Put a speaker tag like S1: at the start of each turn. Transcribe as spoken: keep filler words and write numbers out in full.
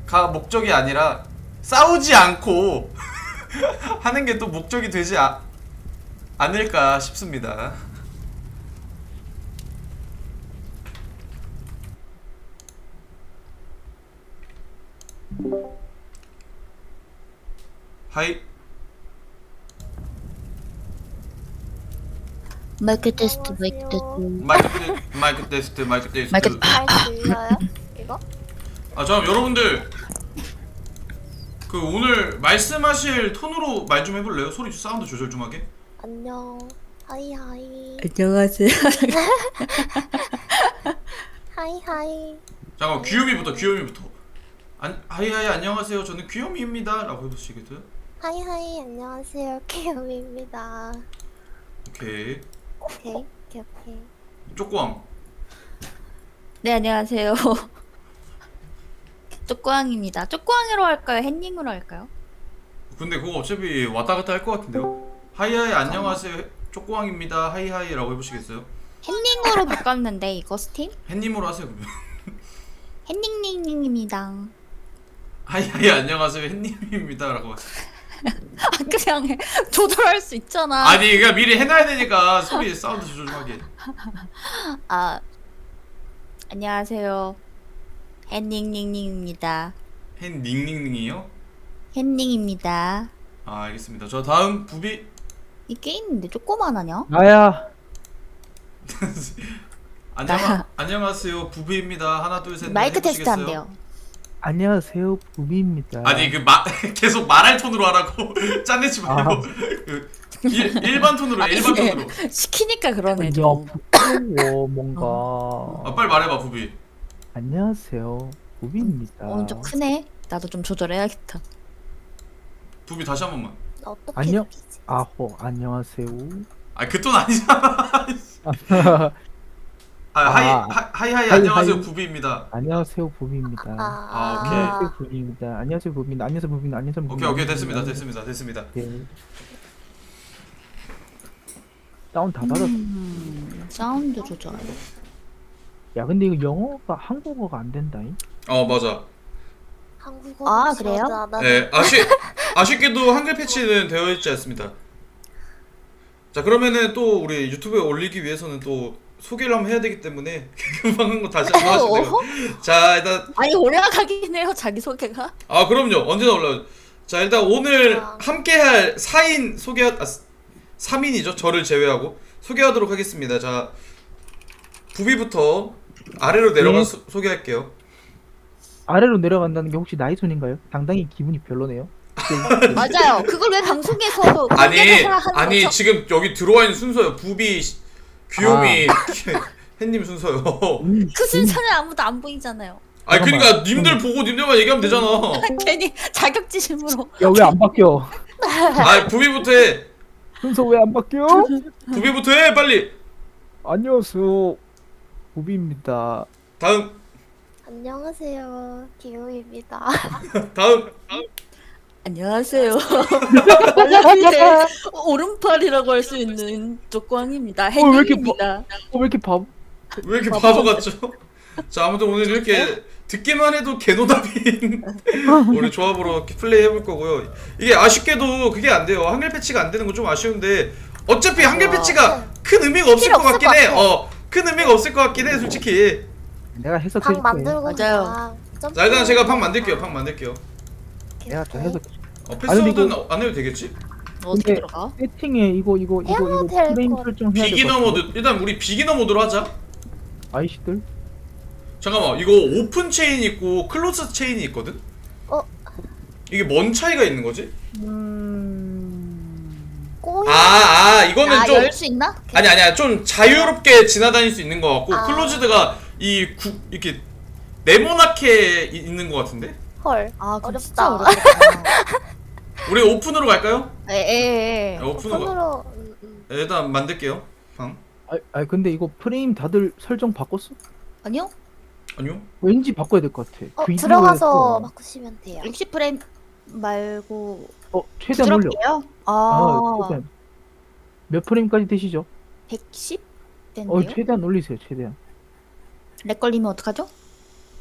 S1: 목적이 아니라 싸우지 않고 하는 게 또 목적이 되지 아, 않을까 싶습니다. 하이.
S2: 마이크 테스트, 마이크 테스트.
S1: 마이크 테, 마이크 테스트, 마이크 테스트.
S2: 마이크-
S3: 잘 들려요? 이거?
S1: 아, 잠깐 여러분들 그 오늘 말씀하실 톤으로 말 좀 해볼래요? 소리 사운드 조절 좀 하게.
S3: 안녕. 하이 하이.
S2: 안녕하세요.
S3: 하이 하이.
S1: 잠깐 귀요미부터 귀요미부터. 안 하이하이 안녕하세요. 저는 귀요미입니다라고 해보시겠어요?
S3: 하이 하이. 안녕하세요. 키움입니다.
S1: 오케이.
S3: 오케이. 오케이 오케이.
S1: 쪼꼬왕.
S2: 네, 안녕하세요. 쪽광입니다. 쪽광으로 할까요? 햇닝으로 할까요?
S1: 근데 그거 어차피 왔다 갔다 할 것 같은데요? 하이하이 안녕하세요. 쪼꼬왕입니다. 하이하이라고 해보시겠어요?
S2: 햇닝으로 바꿨는데 이거 스팀?
S1: 햇님으로 하세요 그러면.
S2: 햇닝닝닝입니다.
S1: 하이하이 안녕하세요. 햇님입니다라고.
S2: 아, 그냥 해. 조절할 수 있잖아.
S1: 아니 그냥 미리 해놔야 되니까 소리 사운드 조절 좀 하게.
S2: 아, 안녕하세요. 햇닝닝닝입니다.
S1: 햇닝닝닝이요?
S2: 햇닝입니다.
S1: 아 알겠습니다. 저 다음 부비.
S2: 이 게임인데 조그만하냐?
S4: 나야.
S1: 안녕 안녕하세요 부비입니다. 하나 둘 셋.
S2: 마이크 테스트 한대요.
S4: 안녕하세요, 부비입니다.
S1: 아니 그 마, 계속 말할 톤으로 하라고. 짠내지 말고.
S4: 아.
S1: 그 일, 일반 톤으로 해, 일반
S2: 이게
S1: 톤으로.
S2: 시키니까 그러네
S4: 야,
S2: 좀.
S4: 부끄러워 뭔가.
S1: 아 빨리 말해봐 부비.
S4: 안녕하세요, 부비입니다.
S2: 어, 좀 크네. 나도 좀 조절해야겠다.
S1: 부비 다시 한 번만.
S3: 나 어떻게
S4: 안녕.
S3: 느끼지?
S4: 아호, 안녕하세요.
S1: 아 그 톤 아니잖아. 아, 하이
S4: 아.
S1: 하, 하이 하이
S4: 하이,
S1: 안녕하세요
S4: 하이.
S1: 부비입니다.
S4: 안녕하세요, 부비입니다.
S3: 아,
S1: 아, 오케이.
S4: 안녕하세요, 부비입니다. 안녕하세요, 부비입니다. 안녕하세요, 부비입니다. 안녕하세요, 부비입니다.
S1: 오케이 오케이 됐습니다 됐습니다 됐습니다.
S4: 네. 다운 다 닫았어.
S2: 음, 사운드 조절.
S4: 야, 근데 이거 영어가 한국어가 안 된다잉.
S1: 어 맞아.
S3: 한국어.
S2: 아, 그래요?
S1: 네 아쉽 아쉽게도 한글 패치는 되어 있지 않습니다. 자 그러면은 또 우리 유튜브에 올리기 위해서는 또 소개를 한번 해야 되기 때문에 금방 한 거 다시 한번 하시면 돼요. 자 일단
S2: 아니 올라가긴 해요 자기 소개가.
S1: 아 그럼요 언제나 올라. 자 일단 오늘 함께할 사 인 소개 아 삼 인이죠 저를 제외하고 소개하도록 하겠습니다. 자 부비부터 아래로 내려가
S4: 네.
S1: 서 소개할게요.
S4: 아래로 내려간다는 게 혹시 나이 손인가요? 상당히 기분이 별로네요.
S2: 맞아요. 그걸 왜 방송에서
S1: 아니
S2: 공개를 하는
S1: 아니
S2: 거죠?
S1: 지금 여기 들어와 있는 순서요. 부비 귀요미 햇님 순서요.
S4: 음,
S2: 그 순서는 아무도 안 보이잖아요.
S1: 아니 그러니까
S4: 잠깐만.
S1: 님들 보고 님들만 얘기하면 되잖아.
S2: 괜히 자격지심으로.
S4: 야, 왜 안 바뀌어?
S1: 아 부비부터 해.
S4: 순서 왜 안 바뀌어?
S1: 부비부터 해 빨리.
S4: 안녕하세요, 부비입니다.
S1: 다음
S3: 안녕하세요. 키움입니다.
S1: 다음 다음
S2: 안녕하세요. 말라필때 오른팔이라고 할 수 있는 쪽광입니다.
S4: 어, 왜 이렇게
S2: 햇님입니다.
S4: 어, 왜 이렇게 바보?
S1: 왜 이렇게 바보 같죠? 자 아무튼 오늘 이렇게 듣기만 해도 개노답인 우리 조합으로 이렇게 플레이 해볼 거고요. 이게 아쉽게도 그게 안 돼요. 한글 패치가 안 되는 건 좀 아쉬운데 어차피 한글 패치가 큰 의미가 없을
S3: 필요
S1: 것 같긴
S3: 없을
S1: 해.
S3: 것 같아.
S1: 어, 큰 의미가 없을 것 같긴 해 솔직히.
S4: 내가 해석해
S3: 방
S4: 줄게.
S3: 만들고
S2: 맞아요.
S3: 그냥 점프-
S1: 자 일단 제가 방 만들게요. 방 만들게요.
S4: 내가 다 해석.
S1: 어,
S4: 아니,
S1: 패스워드는
S4: 근데
S1: 안 해도 되겠지?
S2: 어떻게
S4: 근데-
S2: 들어가?
S4: 세팅에 이거 이거 이거
S3: 해야
S4: 이거
S3: 될
S4: 프레임
S3: 것
S4: 설정 해야 될것
S1: 비기너
S4: 같은데?
S1: 모드 일단 우리 비기너 모드로 하자.
S4: 아이씨들.
S1: 잠깐만 이거 오픈 체인 있고 클로즈 체인이 있거든?
S3: 어?
S1: 이게 뭔 차이가 있는 거지?
S2: 음.
S3: 꼬이.
S1: 아, 아 이거는 좀
S2: 아열 수 있나?
S1: 아니 아니야 좀 자유롭게 지나다닐 수 있는 것 같고
S3: 아.
S1: 클로즈드가 이 구, 이렇게 네모나게 이- 있는 것 같은데?
S3: 헐.
S2: 아 그럼 진짜
S3: 어렵다.
S2: 어렵다.
S1: 우리 오픈으로 갈까요?
S2: 에에에.
S1: 네, 오픈으로 가.
S3: 손으로. 음, 음.
S1: 네, 일단 만들게요 방.
S4: 아, 아 근데 이거 프레임 다들 설정 바꿨어?
S2: 아니요?
S1: 아니요?
S4: 왠지 바꿔야 될 것 같아.
S3: 어
S4: 비디오에서-
S3: 들어가서 바꾸시면 돼요.
S2: 육십 프레임 말고
S4: 어 최대한 올려.
S2: 부드럽게요?
S4: 아,
S2: 아,
S4: 최대한. 몇 프레임까지 되시죠?
S2: 백십?
S4: 어
S2: 된대요?
S4: 최대한 올리세요 최대한.
S2: 렉 걸리면 어떡하죠?